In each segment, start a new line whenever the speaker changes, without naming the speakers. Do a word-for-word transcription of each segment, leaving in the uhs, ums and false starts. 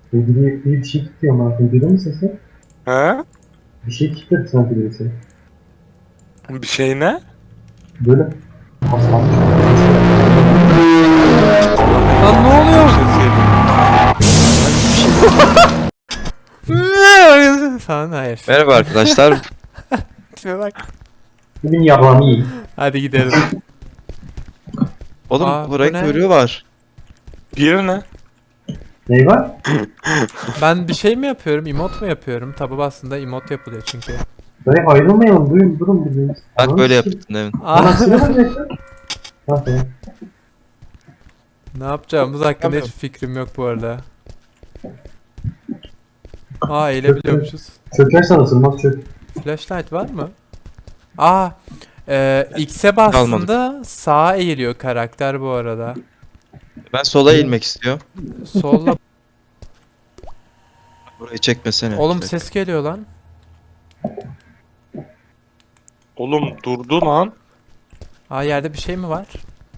Bir, bir şey tutuyor ama duydun mu sesi?
He?
Bir şey tutuyor sanki birisi.
Bir şey ne?
Böyle paslanmış.
Lan ne oluyor? Falan hayır.
Merhaba arkadaşlar.
Tipe bak.
Bugün yabanı iyi.
Hadi gidelim.
Oğlum
Aa,
bu
bu
renk
ne?
körüğü var.
Bir ne?
Ney var?
Ben bir şey mi yapıyorum? Emot mu yapıyorum? Tabi aslında emot yapılıyor çünkü.
Böyle ayrılmayalım. Durun durun durun.
Bak böyle yaptın demin.
Aa,
Bana sinema direktör. Nasıl?
ne yapacağımız hakkında
Yapamıyorum.
hiç fikrim yok bu arada. Aa, eğilebiliyormuşuz.
Çökersen ısınmaz çök.
Flashlight var mı? Aa, e, X'e bastığında sağa eğiliyor karakter bu arada.
Ben sola eğilmek istiyorum.
Solla.
Burayı çekmesene.
Oğlum
Çek.
ses geliyor lan.
Oğlum durdu lan.
Aa, yerde bir şey mi var?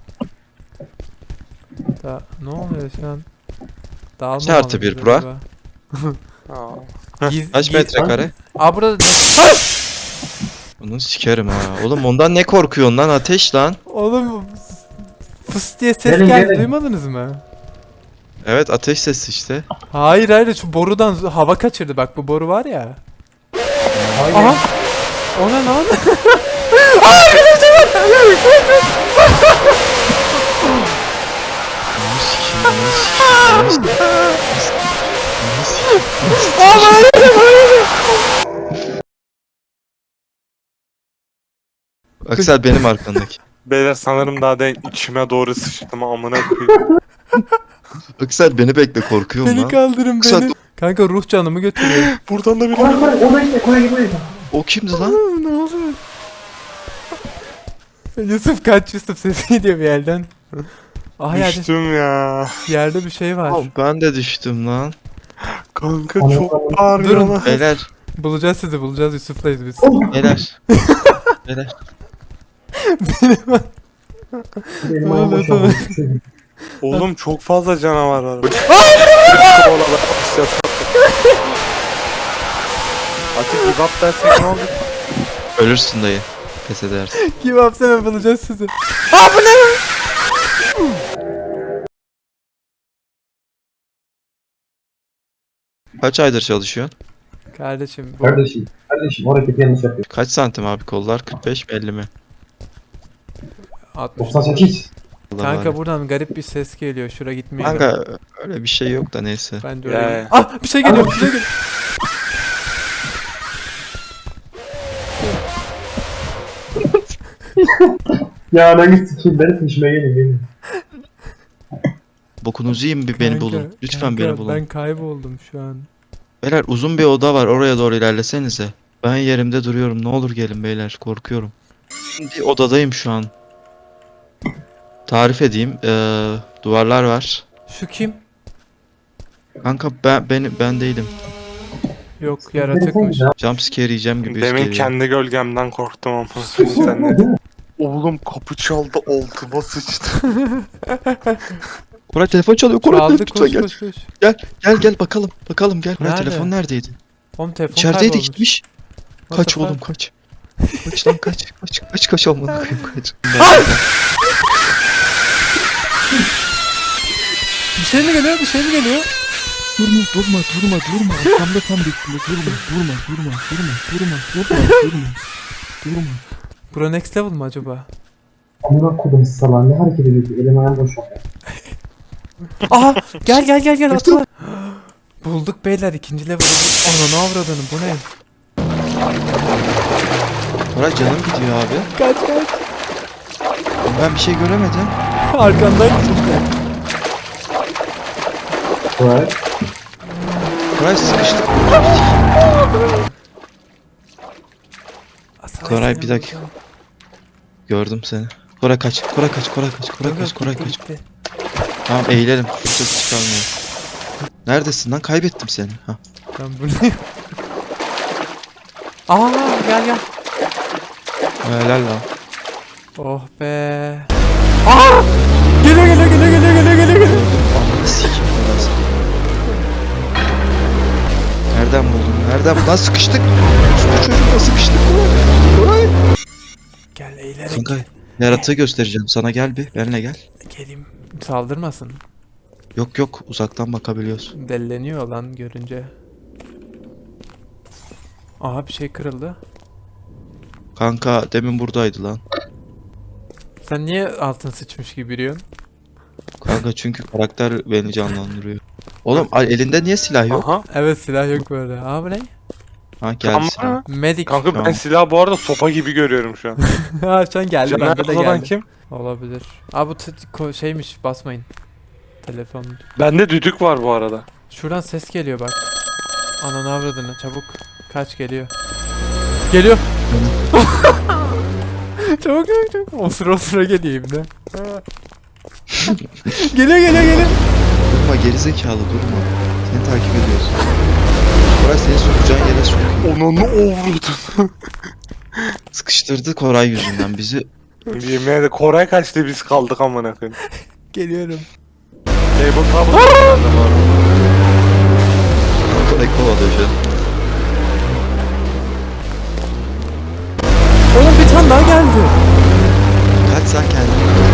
Da, ne oluyor şu an? Dağılma
Kaç artı
mı
bir
oluyor
bura?
acaba?
Aa.
Giz,
Kaç
giz-
metrekare?
Aa, burada
Onu sikerim ha. Oğlum ondan ne korkuyorsun lan? Ateş lan.
oğlum fıs diye ses
Gelin,
geldi,
gelin.
duymadınız mı?
Evet ateş sesi işte.
Hayır hayır, şu borudan z- hava kaçırdı, bak bu boru var ya.
Hayır.
Aha! O ne lan?
Onu sikeyim, onu sikeyim, onu sikeyim, onu sikeyim, onu sikeyim.
Aa, hayır hayır!
Aksel benim arkandaki.
Beyler sanırım daha da içime doğru sıçtım amına koyayım.
Aksel beni bekle korkuyorum
Beni
lan.
kaldırın
Kısa-
beni. Kanka ruh canımı götürüyor.
Buradan da bir
Koy koy. Oraya gitme. Oraya gitme.
O kimdi lan?
Aa, ne olur. Yusuf kaç, Yusuf sesi gidiyor bir yerden. Ah, yerde,
düştüm ya.
yerde bir şey var.
Oğlum ben de düştüm lan.
Kanka
Anladım.
çok bağırıyor
Durun.
lan.
Beyler,
Bulacağız sizi, bulacağız, Yusuf'layız biz.
beyler. Beyler.
Benim
Öyle
ayağım boşaldı.
Oğlum çok fazla canavar var. Atik give up dersek ne olur?
Ölürsün dayı. Pes edersin.
Kim yapsana, bulacağız sizi. Aa, bu ne?
Kaç aydır çalışıyorsun?
Kardeşim bu
Kardeşim. Kardeşim. O hareketi yanlış yapıyor.
Kaç santim abi kollar? kırk beş mi elli mi?
altmış.
doksan sekiz.
Allah
Kanka
var.
buradan garip bir ses geliyor. Şura gitmiyor.
Kanka öyle bir şey yok da neyse.
Ben de
Ya,
öyle.
ya.
Ah, bir şey geliyor, bir şey geliyor.
Ya ben git sikeyim. Beni peşime gelin gelin.
Bokunuzu yiyin bir beni
Kanka,
bulun. Lütfen
kanka,
beni bulun.
Ben kayboldum şu an.
Beyler uzun bir oda var oraya doğru ilerlesenize. Ben yerimde duruyorum ne olur gelin beyler korkuyorum. Bir odadayım şu an. Tarif edeyim. Ee, duvarlar var.
Şu kim?
Kanka ben ben, ben değilim.
Yok, yaratıkmış.
Jumpscare yiyeceğim gibi
Demin
geliyor.
kendi gölgemden korktum ama. Sen ne? Oğlum kapı çaldı altıma sıçtı.
Koray telefon çalıyor. Koray
Çaldı,
lütfen
koş
gel.
koş koş.
Gel gel gel bakalım. Bakalım gel. Koray
Nerede?
telefon neredeydi?
Oğlum telefon
İçerideydi
kaybolmuş.
gitmiş.
What
Kaç
the
oğlum
fuck?
kaç. Kaç lan kaç. Kaç kaç kaç olmadı koyayım kaç.
Bir şey mi geliyor? Bir şey mi geliyor?
Durma durma durma durma. Arkamda tam bekliyor. Durma durma durma durma durma durma durma. Durma.
Bura next level mı acaba?
Amına kodum salak. Ne hareket ediyorsun? Elim ayağım boşaldı.
Aha, gel gel gel gel, atla. Bulduk beyler, ikinci level bulduk. Ananı avradını, bu ne?
Koray canım gidiyor abi.
Kaç kaç.
Ben bir şey göremedim.
Arkandaydı çünkü.
Koray.
Koray sıkıştı. Koray, bir dakika. Gördüm seni. Koray kaç. Koray kaç. Koray kaç. Koray kaç. Koray kaç. Tamam eğilelim. Ses çıkarmıyor. Neredesin lan? Kaybettim seni. Ha.
Ben buradayım. Aa, gel gel.
Helal lan.
Oh be. Aa! Geliyor geliyor geliyor geliyor geliyor geliyor.
Ananı sikeyim ben seni. Nereden buldun? Nereden? Lan sıkıştık. Bu çocukla sıkıştık. Koray. Koray.
Gel eğilerek
Kanka yaratığı göstereceğim. Sana gel bir. Benimle gel.
geleyim. Saldırmasın.
Yok yok uzaktan bakabiliyorsun.
Delleniyor lan görünce. Aha bir şey kırıldı.
Kanka demin buradaydı lan.
Sen niye altın sıçmış gibi yürüyorsun?
Kanka çünkü karakter beni canlandırıyor. Oğlum al- elinde niye silah yok?
Aha.
Evet silah yok böyle. Aa bu ne?
Ha geldi
Ama
silah.
Medic.
kanka ben
Tamam.
silahı bu arada sopa gibi görüyorum şu an.
Ha şu an geldi
Caner
bende de
Koza'dan
geldi.
kim?
Olabilir. Aa bu t- ko- şeymiş basmayın. Telefon.
Bende düdük var bu arada.
Şuradan ses geliyor bak. Ananı avradını çabuk. Kaç geliyor. Geliyor. çabuk çabuk çabuk. O sıra o sıra geliyor ibne. geliyor geliyor geliyor.
Durma gerizekalı durma. Seni takip ediyoruz. Koray seni sokacağın yere sokuyor.
Onunu ovurdun.
Sıkıştırdı Koray yüzünden bizi.
Yemin ederim Koray kaçtı biz kaldık amına koyayım.
Geliyorum.
Table top.
Koray kovalıyor şu an.
Oğlum bir tane daha geldi.
Kaç sen kendini.